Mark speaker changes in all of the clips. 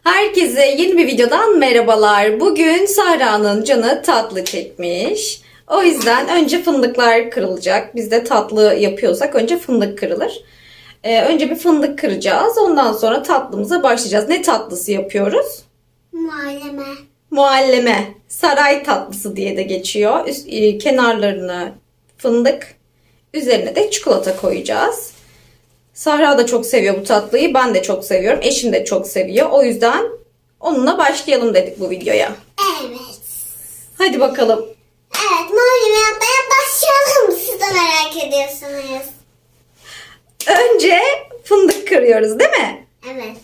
Speaker 1: Herkese yeni bir videodan merhabalar. Bugün Sahra'nın canı tatlı çekmiş. O yüzden önce fındıklar kırılacak. Biz de tatlı yapıyorsak önce fındık kırılır. Önce bir fındık kıracağız. Ondan sonra tatlımıza başlayacağız. Ne tatlısı yapıyoruz?
Speaker 2: Mualleme.
Speaker 1: Mualleme. Saray tatlısı diye de geçiyor. Kenarlarını fındık, üzerine de çikolata koyacağız. Sahra da çok seviyor bu tatlıyı. Ben de çok seviyorum. Eşim de çok seviyor. O yüzden onunla başlayalım dedik bu videoya.
Speaker 2: Evet.
Speaker 1: Hadi bakalım.
Speaker 2: Evet, mualleme yapmaya başlayalım. Siz de merak ediyorsunuz.
Speaker 1: Önce fındık kırıyoruz, değil mi?
Speaker 2: Evet.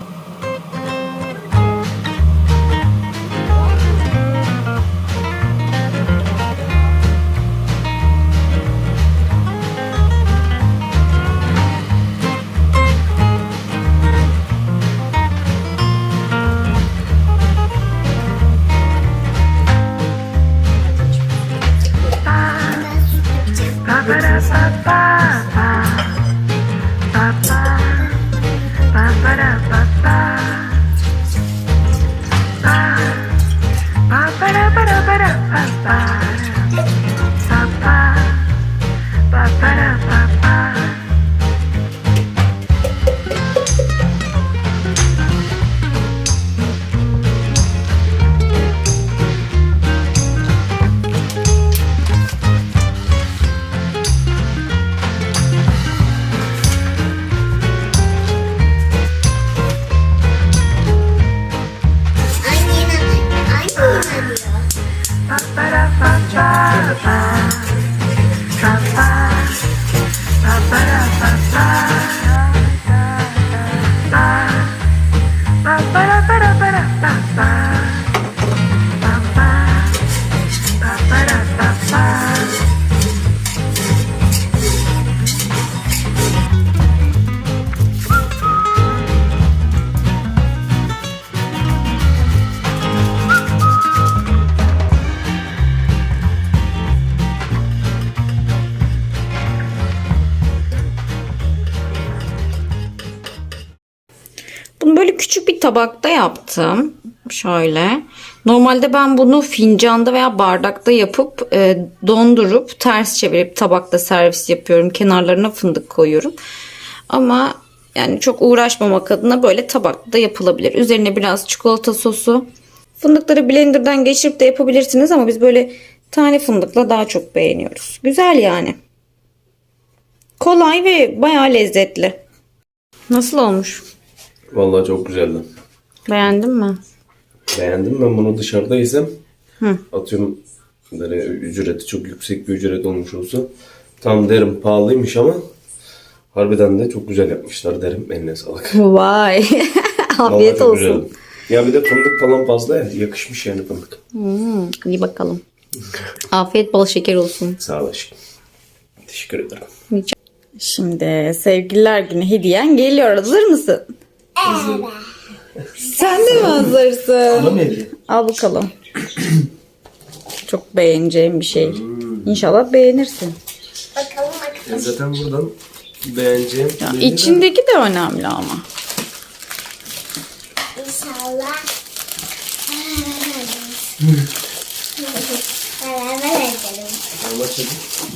Speaker 2: Ben süt yapacağım. Annem diyor.
Speaker 1: Bunu böyle küçük bir tabakta yaptım. Şöyle. Normalde ben bunu fincanda veya bardakta yapıp dondurup ters çevirip tabakta servis yapıyorum. Kenarlarına fındık koyuyorum. Ama yani çok uğraşmamak adına böyle tabakta yapılabilir. Üzerine biraz çikolata sosu. Fındıkları blenderdan geçirip de yapabilirsiniz ama biz böyle tane fındıkla daha çok beğeniyoruz. Güzel yani. Kolay ve bayağı lezzetli. Nasıl olmuş?
Speaker 3: Vallahi çok güzeldi.
Speaker 1: Beğendin mi?
Speaker 3: Beğendim. Ben bunu dışarıda yesem atıyorum böyle ücreti çok yüksek bir ücret olmuş olsa tam derim pahalıymış ama harbiden de çok güzel yapmışlar derim. Eline sağlık.
Speaker 1: Vay.
Speaker 3: Vallahi
Speaker 1: Afiyet
Speaker 3: çok
Speaker 1: olsun.
Speaker 3: güzeldi. Ya bir de fındık falan fazla ya. Yakışmış yani fındık.
Speaker 1: İyi bakalım. Afiyet bol şeker olsun.
Speaker 3: Sağ ol aşkım. Teşekkür ederim.
Speaker 1: Şimdi sevgililer günü hediyen geliyor. Hazır mısın?
Speaker 2: Evet.
Speaker 1: Sen de mi hazırsın?
Speaker 3: Bana mı hediye?
Speaker 1: Al bakalım. Çok beğeneceğim bir şey. İnşallah beğenirsin.
Speaker 2: Bakalım.
Speaker 3: Zaten buradan beğeneceğim.
Speaker 1: Ya, içindeki de önemli ama.
Speaker 2: İnşallah. Beraber edelim.
Speaker 3: Allah çabuk.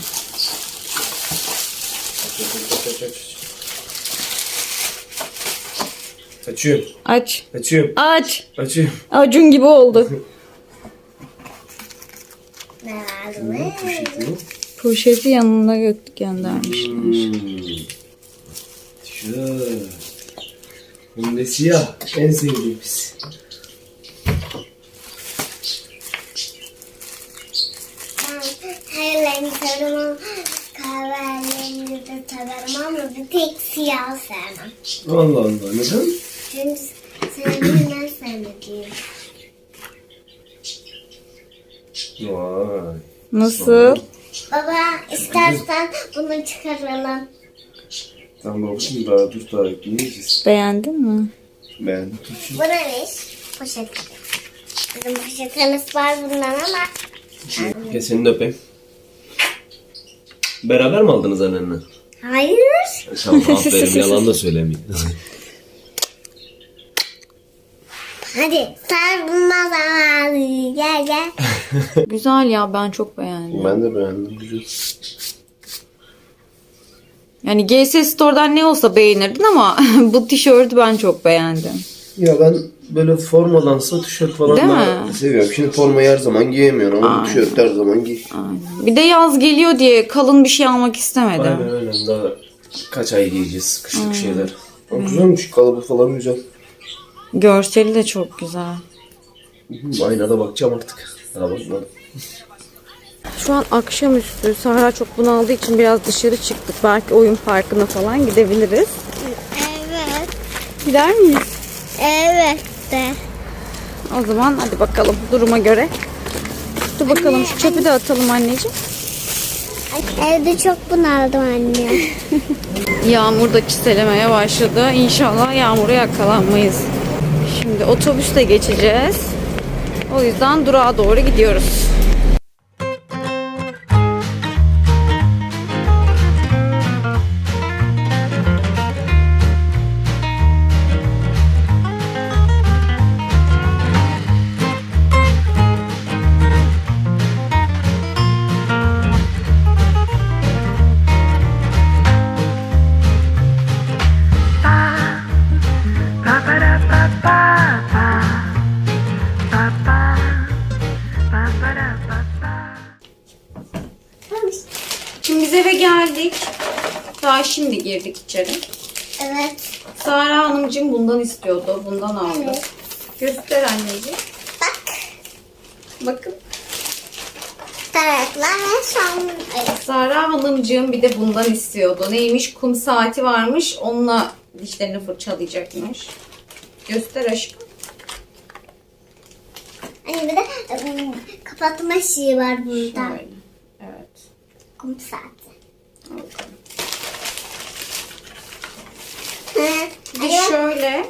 Speaker 3: Açıyorum.
Speaker 1: Aç.
Speaker 3: Açıyorum.
Speaker 1: Aç.
Speaker 3: Açıyorum.
Speaker 1: Acun gibi oldu.
Speaker 2: Ne var mı?
Speaker 1: Poşeti yanına göndermişler.
Speaker 3: Şöyle. Hem de siyah. En sevdiğimiz.
Speaker 2: Ben her rengi severim. Kahverengi de severim ama bir tek siyah sevmem.
Speaker 3: Allah Allah. Neden?
Speaker 2: Çünkü sevdiğim en sevmediğim.
Speaker 3: Vay.
Speaker 1: Nasıl?
Speaker 2: Baba istersen bunu çıkaralım.
Speaker 3: Tamam babacığım daha dur daha ekleyeceğiz.
Speaker 1: Beğendin mi?
Speaker 3: Beğendim.
Speaker 2: Bu neymiş? Poşet. Bizim poşetimiz var bundan ama.
Speaker 3: Gel seni de öpeyim. Beraber mi aldınız annenle?
Speaker 2: Hayır.
Speaker 3: Tamam aferin yalan da söylemeyeyim.
Speaker 2: Hadi sarılma zamanı. Gel gel.
Speaker 1: Güzel ya, ben çok beğendim.
Speaker 3: Ben de beğendim. Güzel.
Speaker 1: Yani GS Store'dan ne olsa beğenirdin ama bu tişörtü ben çok beğendim.
Speaker 3: Ya ben böyle formalansa tişört falan
Speaker 1: Değil
Speaker 3: daha
Speaker 1: mi?
Speaker 3: seviyorum. Şimdi formayı her zaman giyemiyorum ama
Speaker 1: Aynen.
Speaker 3: tişört her zaman giy.
Speaker 1: Aynen. Bir de yaz geliyor diye kalın bir şey almak istemedim.
Speaker 3: Aynen öyle. Daha kaç ay giyeceğiz kışlık şeyler. Ama güzelmiş. Kalıbı falan güzel.
Speaker 1: Görseli de çok güzel.
Speaker 3: Aynada bakacağım artık. Daha bakmadım.
Speaker 1: Şu an akşamüstü. Sahra çok bunaldığı için biraz dışarı çıktık. Belki oyun parkına falan gidebiliriz.
Speaker 2: Evet.
Speaker 1: Gider miyiz?
Speaker 2: Evet de.
Speaker 1: O zaman hadi bakalım duruma göre. Dur bakalım, şu çöpü de atalım anneciğim.
Speaker 2: Evde çok bunaldım anne.
Speaker 1: Yağmur da çiselemeye başladı. İnşallah yağmura yakalanmayız. Şimdi otobüsle geçeceğiz. O yüzden durağa doğru gidiyoruz. Şimdi biz eve geldik. Daha şimdi girdik içeri.
Speaker 2: Evet.
Speaker 1: Sara Hanımcığım bundan istiyordu. Bundan aldı.
Speaker 2: Evet.
Speaker 1: Göster anneciğim.
Speaker 2: Bak.
Speaker 1: Bakın.
Speaker 2: Taraklar ve son.
Speaker 1: Sara Hanımcığım bir de bundan istiyordu. Neymiş? Kum saati varmış. Onunla dişlerini fırçalayacakmış. Göster aşkım.
Speaker 2: Hani bir de kapatma şeyi var burada.
Speaker 1: Şöyle. Evet.
Speaker 2: Kum saati.
Speaker 1: Al bakalım. Bir de
Speaker 2: Evet.
Speaker 1: şöyle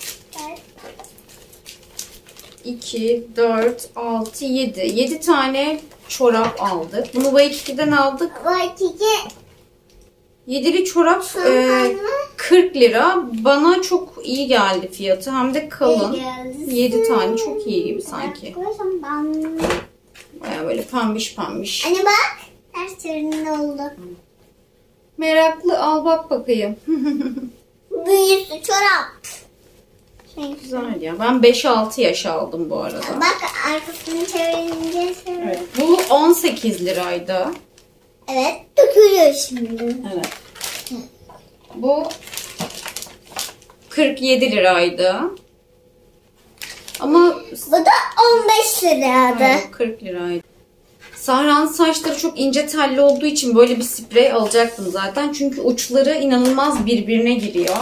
Speaker 1: 2, 4, 6, 7. 7 tane çorap aldık. Bunu Waikiki'den aldık.
Speaker 2: Bak iki.
Speaker 1: 7'li çorap
Speaker 2: Sen
Speaker 1: 40 lira. Bana çok iyi geldi fiyatı. Hem de kalın.
Speaker 2: İyi geldi.
Speaker 1: 7 tane çok iyi gibi sanki.
Speaker 2: Koysam ben.
Speaker 1: Baya böyle pembiş pembiş.
Speaker 2: Anne bak. Ters yerinde oldu.
Speaker 1: Meraklı, al bak bakayım.
Speaker 2: Büyüsü çorap.
Speaker 1: Güzel ya. Ben 5-6 yaş aldım bu arada.
Speaker 2: Bak arkasını çevirince
Speaker 1: Evet. Bu 18 liraydı.
Speaker 2: Evet, dökülüyor şimdi.
Speaker 1: Evet. Bu 47 liraydı. Ama
Speaker 2: Bu da 15 liraydı.
Speaker 1: hayır, 40 liraydı. Sahra'nın saçları çok ince telli olduğu için böyle bir sprey alacaktım zaten. Çünkü uçları inanılmaz birbirine giriyor.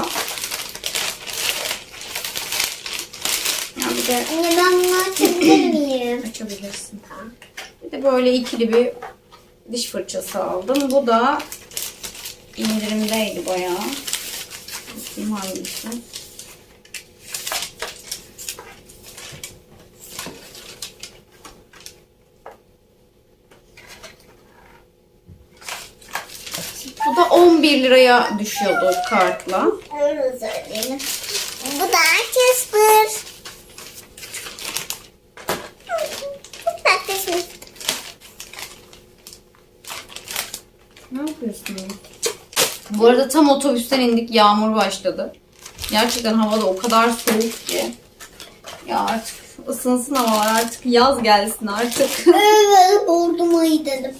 Speaker 1: Yani bir de
Speaker 2: Anne ben bunu açabilir miyim?
Speaker 1: açabilirsin. Bir de böyle ikili bir diş fırçası aldım. Bu da indirimdeydi bayağı. Bakayım hangisi. Bu da 11 liraya düşüyordu kartla.
Speaker 2: Öyle söyleyelim. Bu da Casper. Çok tatlısın.
Speaker 1: Ne yapıyorsun? Bu arada tam otobüsten indik, yağmur başladı. Gerçekten havada o kadar soğuk ki. Ya artık ısınsın havalar, artık yaz gelsin artık.
Speaker 2: Evet, orduma gidelim.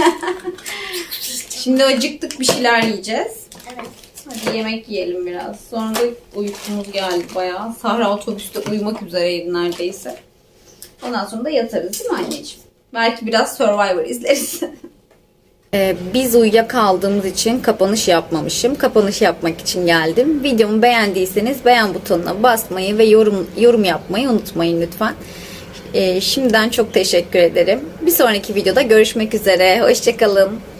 Speaker 1: Şimdi acıktık, bir şeyler yiyeceğiz.
Speaker 2: Evet.
Speaker 1: Hadi yemek yiyelim biraz. Sonra da uykumuz geldi bayağı. Sahra otobüste uyumak üzereydi neredeyse. Ondan sonra da yatarız değil mi anneciğim? Belki biraz Survivor izleriz. Biz uyuyakaldığımız için kapanış yapmamışım. Kapanış yapmak için geldim. Videomu beğendiyseniz beğen butonuna basmayı ve yorum yapmayı unutmayın lütfen. Şimdiden çok teşekkür ederim. Bir sonraki videoda görüşmek üzere. Hoşça kalın.